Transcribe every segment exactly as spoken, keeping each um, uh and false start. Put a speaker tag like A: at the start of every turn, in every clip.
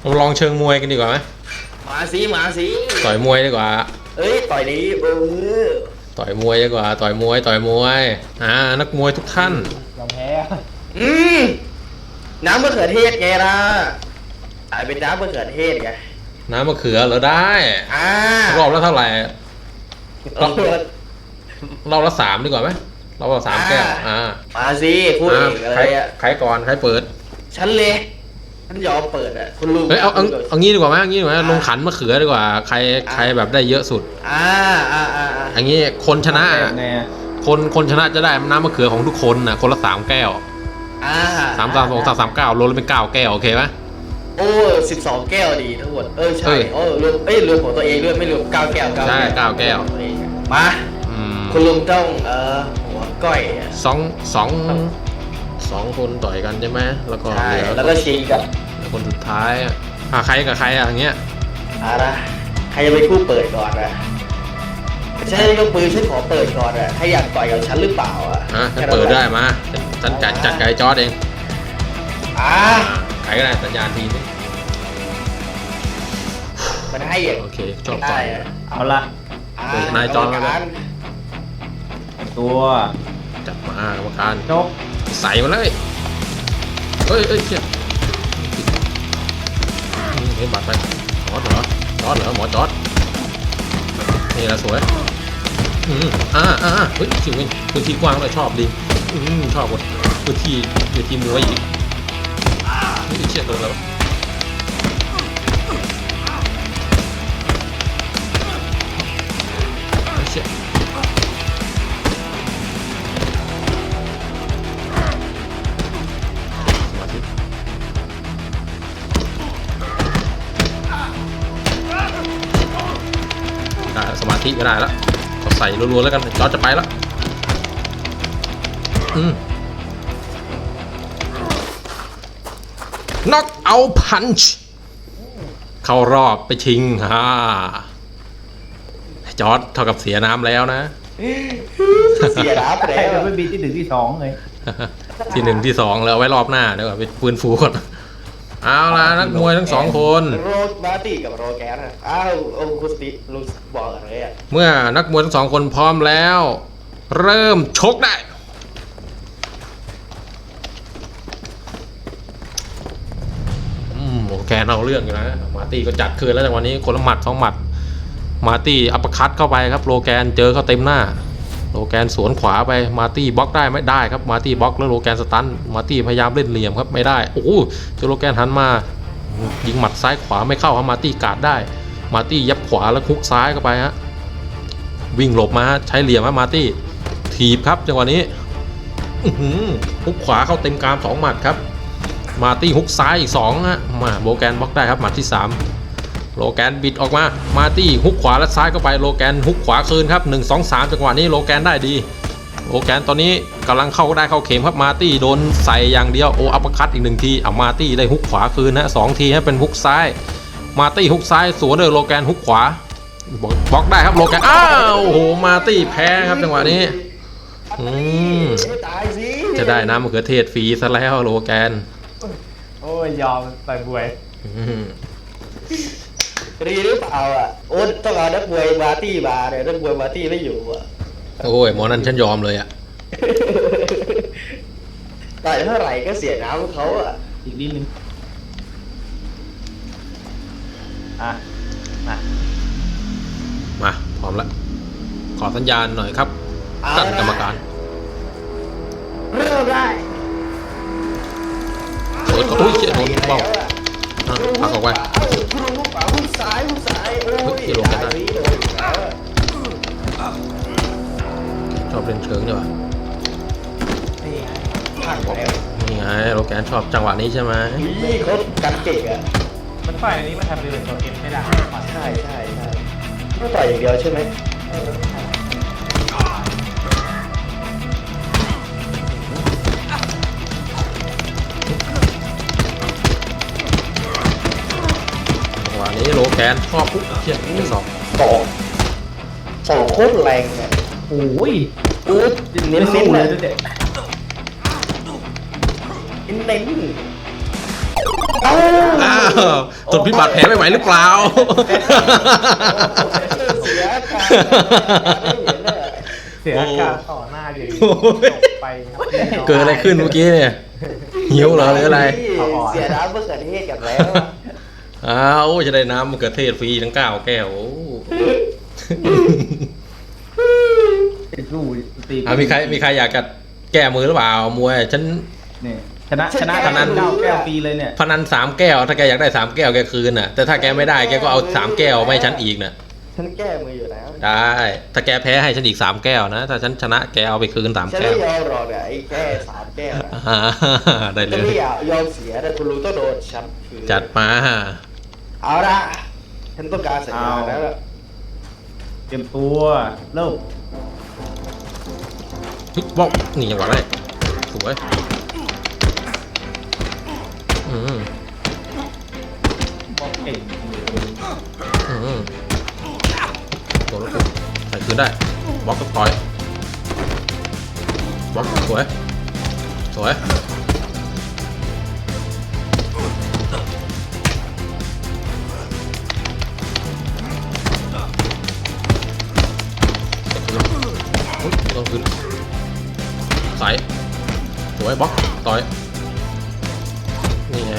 A: เราลองเชิงมวยกันดีกว่าไหม
B: มาสิมาสิ
A: ต่อยมวยดีกว่า
B: เอ้ยต่อยดีเออ
A: ต่อยมวยดีกว่าต่อยมวยต่อยมวยอ่านักมวยทุกท่าน
C: ยอมแพ้
B: อืมน้ำมะเขือเทศไงล่ะตายเป็นน้ำมะเขือเทศไง
A: น้ำมะเขือเหรอได้
B: อ่าร
A: อบละเท่าไหร่รอบรอบละสามดีกว่าไหมรอบละสามแก้วอ่า
B: มาสิพูดอีกอะไรอ่ะ
A: ใครก่อนใครเปิด
B: ฉันเลยฉันยอมเปิดอ่ะคุณลุง
A: เฮ้ยเอาเอาเอางี้ดีกว่าไหมเอางี้ดีกว่าลงขันมะเขือดีกว่าใครใครแบบได้เยอะสุด
B: อ่าอ่าอ่า
A: อันนี้คนชนะคนคนชนะจะได้น้ำมะเขือของทุกคนน่ะคนละสามแก้ว
B: อ่า
A: สามสามสองสามสามเก้ารวมแล้วเป็นเก้าแก้วโอเคไหม
B: โอ้สิบสองแก้วดีทั้งหมดเออใช่โอ้รวมเอ้ยรวมของตัวเองด้วยไม่รวมเก้าแก้ว
A: ใช่เก้าแก้ว
B: มาคุณลุงต้องเอ่อหัวก้อย
A: สองสองสองคนต่อยกันใช่ไหมแล้วก็เหลือ
B: แล้วก็ชิงกับ
A: คนสุดท้ายอ่ะใครกับใครอ่ะอย่างเงี้ย
B: อะไรใครจะเป็นผู้เปิดก่อนอ่ะฉันยกปืนฉันขอเปิดก่อนอ่ะใครอยากต่อยกับฉันหรือเปล่าอ่ะ
A: อ่ะฉันเปิดได้มาฉันจัดจัดไก่จอร์ดเอง
B: อ่า
A: ใครก็ได้สัญญาณทีนี้
B: มันให้อย่าง
A: โอเคชอบต่อย
C: เอาละ
A: นายจอร์ดกัน
C: ตัว
A: จับมากรรมการ
C: จบ
A: ใส่มาเลยเฮ้ยเฮ้ยเชี่ยเฮ้ยบัดไปจอดเหรอจอดเหรอหมอจอดนี่ละสวยอืมอ่าอ่าเฮ้ยชิวเองพื้นที่กว้างเลยชอบดีอืมชอบหมดพื้นที่พื้นที่มวยอีกนี่เชี่ยโดนแล้วเชี่ยสมาธิไม่ได้แล้วก็ใส่รัวๆแล้วกันจอร์จจะไปแล้วอืมน็อกเอาพันช์เข้ารอบไปชิงฮ่าจอร์จเท่ากับเสียน้ำแล้วนะ
B: เสียน้ำแล้ว
C: ไม่มีที่หนึ่งที่สองเลย
A: ที่หนึ่งที่สองแล้วไว้รอบหน้าเดี๋ยวไปฟื้นฟูก่อนเอาล่ะนักมวยทั้งสองคน
B: โรมาตี้กับโรแกนอ่ะอ้าวองคุสติลุงบอกอะไรอ่ะ
A: เมื่อนักมวยทั้งสองคนพร้อมแล้วเริ่มชกได้อืมโอเคเอาเรื่องอยู่นะมาตี้ก็จัดคืนแล้วจากวันนี้คนละหมัดสองหมัดมาตี้อัปเปอร์คัตเข้าไปครับโลแกนเจอเข้าเต็มหน้าโลแกนสวนขวาไปมาตี้บล็อกได้ไม่ได้ครับมาตี้บล็อกแล้วโลแกนสตันมาตี้พยายามเล่นเหลี่ยมครับไม่ได้โอ้โหเจอโลแกนหันมายิงหมัดซ้ายขวาไม่เข้าครับมาตี้กาดได้มาตี้ยับขวาแล้วคุกซ้ายเข้าไปฮะวิ่งหลบมาใช้เหลี่ยมครับมาตี้ถีบครับจังหวะนี้ฮุกขวาเข้าเต็มกรามสองหมัดครับมาตี้ฮุกซ้ายอีกสองฮะมาโลแกนบล็อกได้ครับหมัดที่สามโลแกนบิดออกมามาตี้ฮุกขวาและซ้ายเข้าไปโลแกนฮุกขวาคืนครับหนึ่ง สอง สามจังหวะนี้โลแกนได้ดีโลแกนตอนนี้กำลังเข้าได้เข้าเข็มครับมาตี้โดนใส่อย่างเดียวโออัปเปอร์คัตอีกหนึ่งทีเอามาตี้ได้ฮุกขวาคืนนะสองทีให้เป็นฮุกซ้ายมาตี้ฮุกซ้ายสวนเลยโลแกนฮุกขวาบล็อกได้ครับโลแกนอ้าวโอ้โหมาตี้แพ้ครับจังหวะนี้อืมจะได้น้ำมะเขือเทศฟรีซะแล้วโลแกน
C: โอ้ยยอมไปบวย
B: รีหรือเปล่าอ่ะโอ้ต้องเอานักมวยมาตี้มาเนี่ยนักมวยมาตี้ไม่อยู่อ่ะ
A: โอ้ยหมอนั่นฉันยอมเลยอ่ะ
B: ต่อยเท่าไหร่ก็เสียน้ำเขาอ่ะ
C: อีกนิดนึงอ่ะมา
A: มาพร้อมแล้วขอสัญญาณหน่อยครับท่านกรรมการ
B: เริ่มได้
A: โอ้ยโอ้ยเจ็บโดนเบ้าพักออกไป
B: หุ้นซ้ายหุ้นซ้ายโอ้ย
A: ลงได้ชอบเล่นเชิงด้วยวะนี่ไงโลแกนชอบจังหวะนี้ใช่ไหม
B: นี่เขากันเก่งอ่ะ
C: มันต่อยอันนี้มันทำเป็นตัวเอ็มไม่ได้
B: ใช่ใช่ใช่ไม่ต่อยอย่างเดียวใช่ไหม
A: นี้โลแกนชอบปุ๊บเชี่ยไม่สอง
B: สองสองโคตรแรงเนี่ย
C: โอ้ย
B: เออเน้นเน้นเลยเน้นเน้น
A: อ้าวทนพิษบาดแผลไม่ไหวหรือเปล่า
B: เสียการ
C: เสียการต่อหน้าอย่างนี้
A: โอ้ย
C: จบไปครับ
A: เกิดอะไรขึ้นเมื่อกี้เนี่ยหิวเหรอหรืออะไร
B: เสียน้ำมะเขือเทศกันแล้ว
A: อ้าวจะได้น้ำมะเขือเทศฟรีทั้งเก้าแก้วโอ้
C: สู้ตี
A: อ่ะมีใครมีใครอยากจะแก้มือหรือเปล่ามวยฉัน
C: นี่ชนะชนะ
A: พนัน
C: เก้าแก้วฟรีเลยเนี่ย
A: พนันสามแก้วถ้าแกอยากได้สามแก้วแกคืนน่ะแต่ถ้าแกไม่ได้แกก็เอาสามแก้วไม่ให้ฉันอีกน่ะ
B: ฉันแก้มืออยู่แล้ว
A: ได้ถ้าแกแพ้ให้ฉันอีกสามแก้วนะถ้าฉันชนะแกเอาไปคืนสาม
B: ฉัน
A: แก้
B: ไม่
A: วย
B: อมหรอกเนี่ยไอ้แก้สามแก้วนะ
A: อ่าได้เล
B: จะ
A: ย
B: ไม่อยากยอมเสียแต่คุณรู้ต้องโดนฉันคือ
A: จัดมา
B: เอาละฉันต้องการสัญญาณแล้วล่ะ
C: เตรียมตัวเริ่ม
A: เฮ้ยบอกนี่จังหวะได้สวยอืม
C: บอกเก่ง
A: อืมตัวรถใส่คืนได้บล็อกก็ต่อยบล็อกสวยสวยอุ๊ยต้องคืนใส่สวยบล็อกต่อยนี่ไง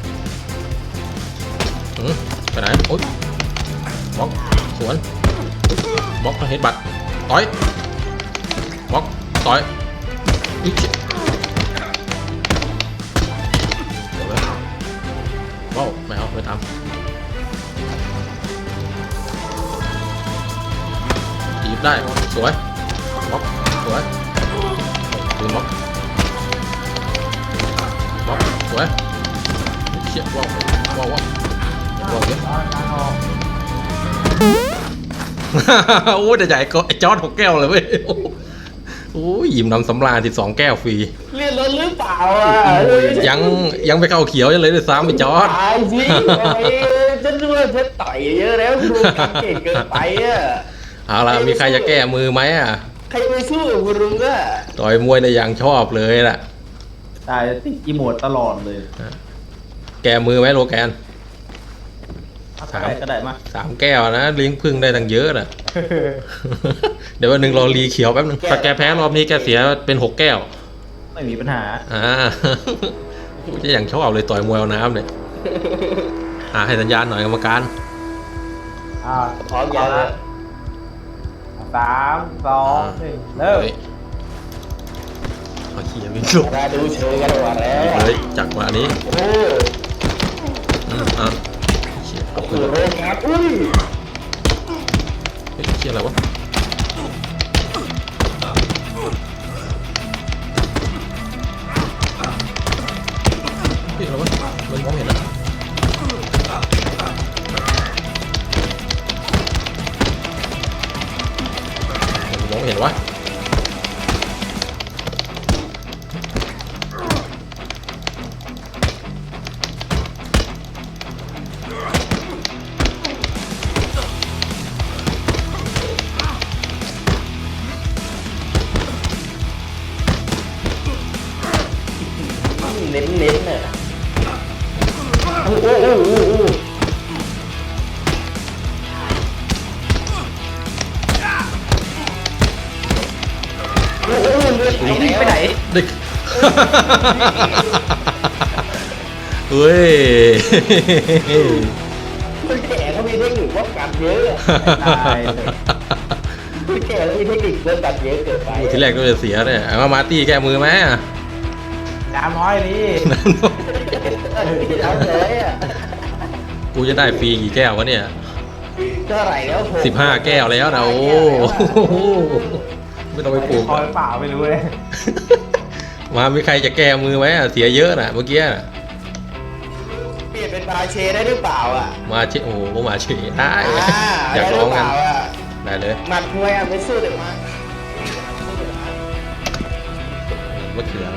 A: อืมไปไหนโอ๊ยบล็อกสวนบล็อกเฮดบัตต่อยบล็อกต่อยอีกเดี๋ยวไปว้าวไม่เอาไม่ทำจีบได้สวยบล็อกสวยคืนบล็อกบล็อกสวยเชี่ยว้าวว้าวว้าวว้าวเยอะ
C: การออก
A: โอ้ยแต่ใหญ่ก็ไอ้จอร์ดหกแก้วเลยเว้ยโอ้ยยิ้มน้ำสำราญสิบสองแก้วฟรี
B: เรียนรถหรือเปล่าอ่ะ
A: ยังยังไปเข้าเขียวยังเลยด้วยซ้ำไอ้จอร์ด
B: ตายสิโอ้ยฉันรู้ว่าฉันต่อยเยอะแล้วดูเก่งเกินไปอ่ะ
A: เอาล่ะมีใครจะแก้มือไหมอ่ะ
B: ใครไปสู้กับคุณลุงอ่ะ
A: ต่อยมวยในอย่างชอบเลยล่ะ
C: ตายติดอีโมดตลอดเลย
A: แก้มือไหมโลแกน
C: เอาไปก็ได้มา
A: สามแก้วนะเลี้ยงพึ่งได้ตั้งเยอะน่ะ เดี๋ยววันหนึ่งรอรีเขียวแป๊บนึงถ้าแกแพ้รอบนี้แกเสียเป็นหกแก้ว
C: ไม่มีปัญหา
A: อ่า จะอย่างชอบเลยต่อยมวยเอาน้ำเนี่ยอ่าให้สัญญาณหน่อยกรรมการ
C: อ่า
B: พร้อมยังอ่ะ
C: สามสองหนึ่งเริ่ม
A: ฮ้ยเอาเขียวิ่งสุก
B: มาดูเชิงกันก่อนแล้ว
A: เลยจากวันนี้
B: โอ้
A: อืมอ่ะเขียเอา
B: โห
A: คืน
B: โรงงานอุ้ย
A: เฮ้ยเขียอะไรวะเฮ้ยอะไรวะมันมองเห็นนะมันมองเห็นวะ
B: เน้นเน้นน่ะโอ้โหโอ้โหโอ้โหโอ้โหเลือดไหลไปไหน
A: เด็ก เฮ้ย
B: คนแก่เขามีเทคนิคป้องกันเยอะ
C: ตายเลย
B: คนแก่เขามีเทคนิคป้องกันเยอะเกินไป
A: ทีแรกก็จะเสียเนี่ยเอามามาร์ตี้แก้มือไหมอ่ะ
C: น้ำน้อยนี่
B: เอาเลยอ่ะ
A: กูจะได้ฟรีกี่แก้ววะเนี่ย
B: เท่าไหร่แล้วผม
A: สิบห้าแก้วแล้วนะโอ้โหไม่ต้องไปปลูก
C: คอยเปล่าไม่รู้เลย
A: มามีใครจะแก้มือไหมอ่ะเสียเยอะน่ะเมื่อกี้น่ะ
B: เปลี่ยนเป็นบาเชได้หรือเปล่าอ่ะ
A: มาเชโอ้โหมาเชได้
B: อ่า
A: อยาก
B: ได้ห
A: ร้
B: รือ อง เป
A: กัน
B: ล่าอ่ะ
A: ได้เลย
B: หมัดมวยอ่ะไม่สู้เดี๋ยวมา
A: มะเขือ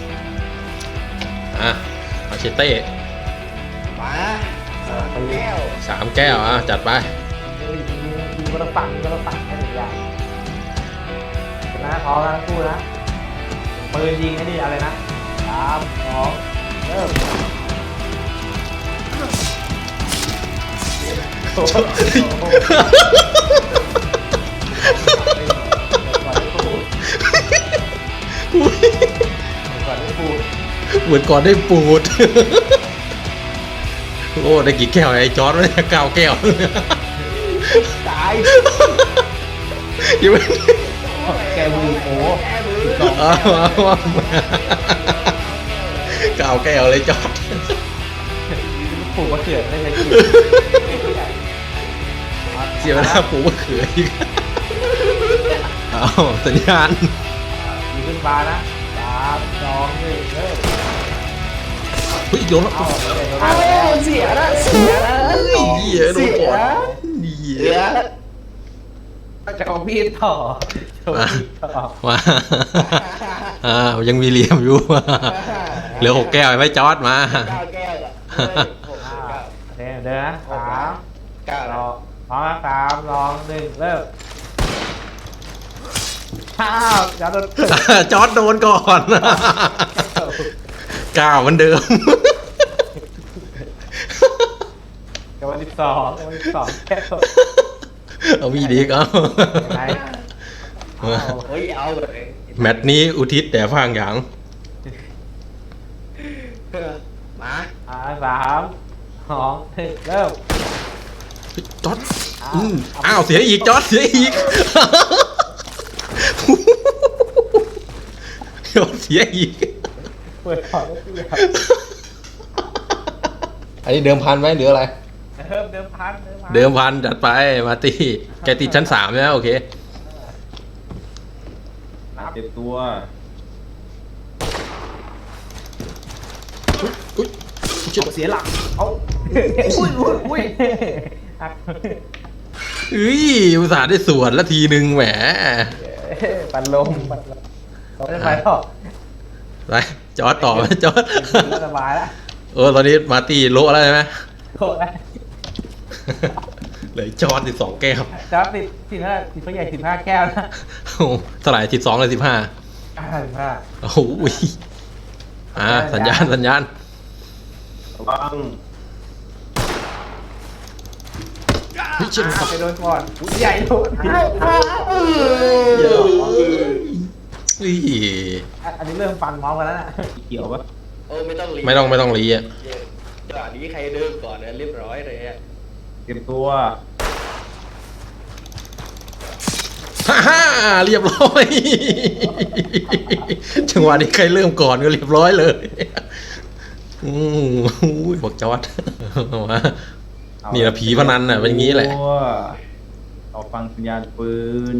A: อ่ะมาเชเต้
B: มาสามแก้ว
A: สามแก้วอ่ะจัดไป
C: ยิงก็ต้องปักยิงก็ต้องปักแค่หนึ่งอย่างนะพร้อมนะสู้นะปืนยิงไอ้นี่อะไรนะสามสองเริ่มโอ้โหก่อนได้พูด
A: เหมือนก่อนได้ปูด โอ้ได้กี่แก้วไอ้จอร์ดเนี่ยเก้าแก้ว
B: ตาย
A: ยังไม่
C: แกมือโอ้
B: แก้มือ
A: เอาเอาเอาเก้าแก้วเลยจอร์ด
C: ปลูกมะเขือไม่ใช่กิน
A: เสียเวลาปลูกมะเขืออีกเอาสัญญาณ
C: มีขึ้นฟ้านะสามสองหนึ่งเริ่ม
A: เฮ้ยโยนแล้ว
C: เอาเดี๋ยว
B: เอา
C: เรา
B: เสียละเสียละ
A: เฮ้ยเหี้ยโดนก่อนเหี้
B: เสี
A: ย
B: ย
C: จะเอาพี่ต่อจะเอาพี่ต่อ
A: มาอ่ายังมีเหลี่ยมอยู่ เหลือหกแก้วไว้จอร์ดมา
B: เก้าแก้วอะเฮ้ยหก
C: อ่า
B: เก้า
C: โอเคเดินนะสาม
B: เก้าร แล้
C: อ
B: ว
C: พร้อมนะสามสองหนึ่งเริ่มข้าวจะโดน
A: จอร์ดโดนก่อน ก้าวเหมือนเดิม
C: กับวันที่สองกับวันที่สองแค่ตัว
A: เอามีดีกเอา
C: ยังไงเอา
B: เฮ้ยเอาเลย
A: แมตช์นี้อุทิศแต่ฟางหยาง
B: มา
C: อ่าสามสองหนึ่งเริ่ม
A: เฮ้ยจอร์ดอืมอ้าวเสียอีกจอร์ดเสียอีก จอร์ดเสียอีก
C: เปิดก่อนแล้วเสีย
A: อันนี้เดิมพันไหมหรืออะไร
C: เริ่มเดิมพันเดิมพัน
A: เดิมพันจัดไปมาร์ตี้แกติดชั้นสามแล้วโอเค
C: นับ
D: เต็มตัว
A: อุ้ย
C: เสียหลักเอาอุ้ยอุ้ยอุ้ยหัก
A: เฮ้ยอุตส่าห์ได้สวนละทีหนึ่งแหม
C: ปันลมปันลมเราไม่ได้ไปต่อ
A: ไปจอร์ดต่อไหมจอร์ด
C: เราสบายแล้ว
A: เออตอนนี้มาร์ตี้โละแล้วใช่ไหม
C: โคตรแล้ว
A: เหลือจอร์ดสิบสองแก้ว
C: จ้าติดสิบห้าติดตัวใหญ่สิบห้าแก้วนะ
A: โอ้โหเท่าไหร่สิบสองเลยสิบห้า
C: อ่าสิบห้า
A: โอ้โหอ่าสัญญาณสัญญาณ
D: ระวัง
A: เฮ้ยเชื่อมกับ
C: ไปโดนก่อนอุ๊ยใหญ่โดน
A: เดี๋ยวเฮ้ย
C: อันนี้เริ่มฟันพร้อมกันแล้วนะ
D: เกี่ยวปะ
B: โอ้ไม่ต้องรี
A: ไม่ต้องไม่ต้องรีอ่ะ
B: จังหวะนี้ใครเดินก่อนนะเรียบร้อยเลยอะ
D: เต็มตัว
A: ฮ่าฮ่าเรียบร้อย จังหวะนี้ใครเริ่มก่อนก็เรียบร้อยเลยอืมอุ้ยบอกจอร์ดมา
D: เอา
A: นี่นะผีพนันน่ะเป็นอย่างนี้แหละ
D: เต็มตัวเอาฟังสัญญาณปืน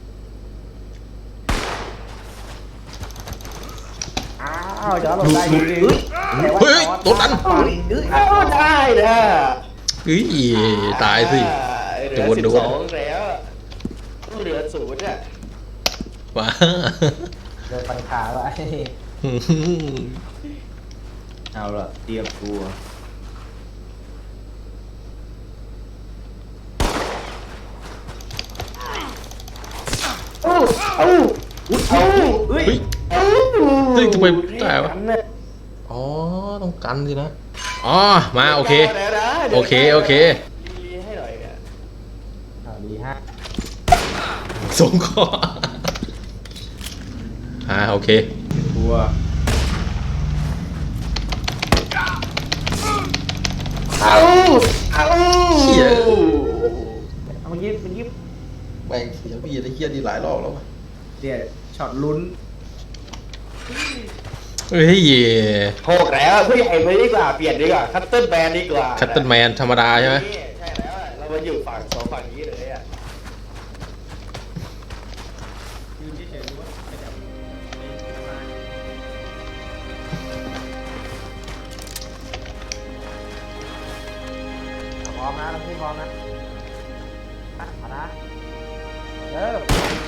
C: อ้าวจอร์จหลบได้ดีดี
A: เฮ้ยโดนดัน
B: เอาได้นะ
A: เฮ้ยตายสิ
B: เหลือ
A: โดน
B: สิบ
A: โด
B: ส
A: น
B: องแล้วเหลือศูนย์อ่ะ
A: ว้า
C: เดินฟันขาไว้
D: เอาละเตรียมตัว
B: เอ้าเอ้าอุ้ยเอ้า
D: เฮ้ย
A: เฮ้ย
B: เอ้า
A: เฮ้ยทำไมตายวะ อ๋อต้องกันสินะอ๋อมาโอเค
B: ดี๋ยวนะดี๋ยวนะ
A: โอเคโอเค
B: รีให้หน่อยเนี่ย
C: อ่าดีฮะ
A: ส่งคออ่าโอเค
D: ตัว
B: เอ้าเอ้า
A: เหี้ย
C: เอาเมื่อกี้เมื่อกี้
A: แบ่งเสียพี่ได้เฮียดีหลายรอบแล้ววะ
D: เดี๋ยวช็อตลุ้น
A: เฮ้ย
B: โหกแล้วผู้ใหญ่ไปดีกว่าเปลี่ยนดีกว่าคัตเติ้ลแบนดีกว่า
A: คัตเติ้ลแมนธรรมดาใช่ไหม
B: ใช่แล้วอะเรามาอยู่ฝั่งสองฝั่งนี้เลยอ่ะ
D: ยืนเฉยๆดูว่าขยับไปมา
C: พร้อมนะพี่พร้อมนะอ่ะเอานะเริ่ม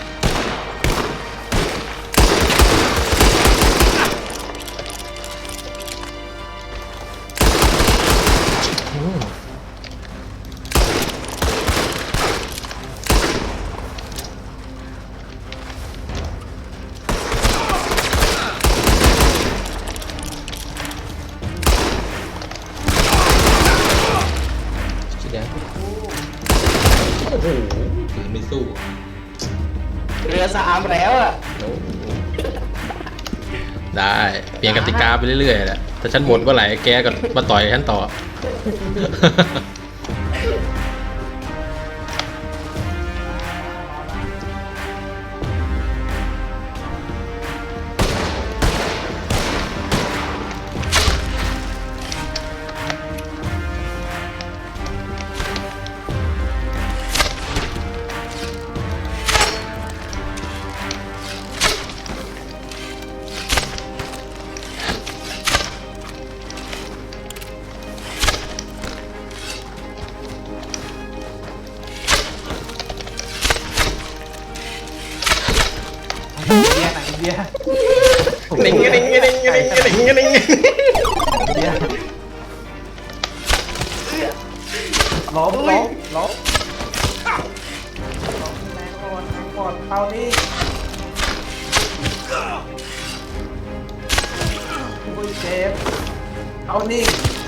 A: อืมสีแดงปืนไม่สู้
B: เรือสามแล้วอ่ะ
A: โอ้ได้เปลี่ยนกติกาไปเรื่อยๆแหละถ้าฉันหมดเมื่อไหร่แกก็มาต่อยฉันต่อ
C: อินเดียไหนอินเดีย
A: หนิงหนิงหนิงหนิงหนิงหนิงหนิง
C: อินเดียล้มล้มล้มล้มแรงก่อนแรงก่อนเข้านี่โอ้ยเจ็บเอานี่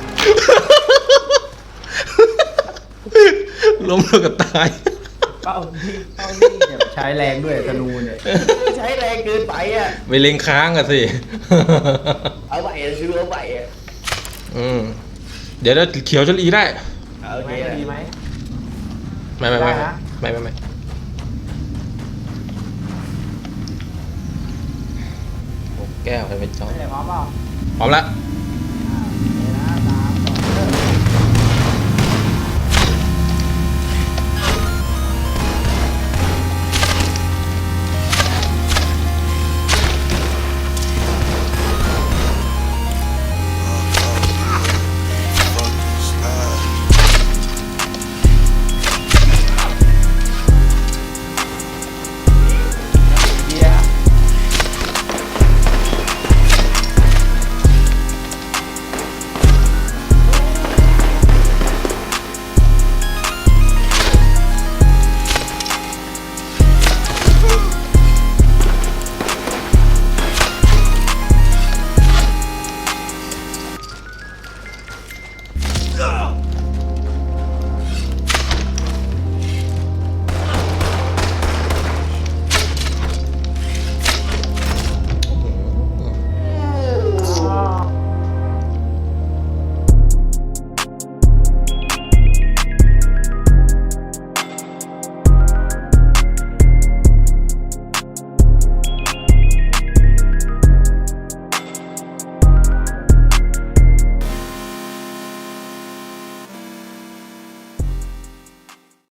A: ล้มแล้วก็ตาย
C: เป้านี่เป้านี่เนี่ยใช้แรงด้วยธนูเนี่ย
B: ใช้แรงเกินไปอ่ะ
A: ไปเล็งค้างอะสิ
B: เอาใหม่ซื้อเอาใหม่อ่ะ
A: อืมเดี๋ยวเราเขียวชลีได้
B: เอาโอเค
C: ไม่
B: นะ
C: ดีไหม
A: ไม่ไม่ไม่
C: ได้นะ
A: ไม่ไม่ไม่โอ้แก้วไปเป็นจ้อง
C: ไม่ได้พร้อมเปล่า
A: พร้อมละ
C: โ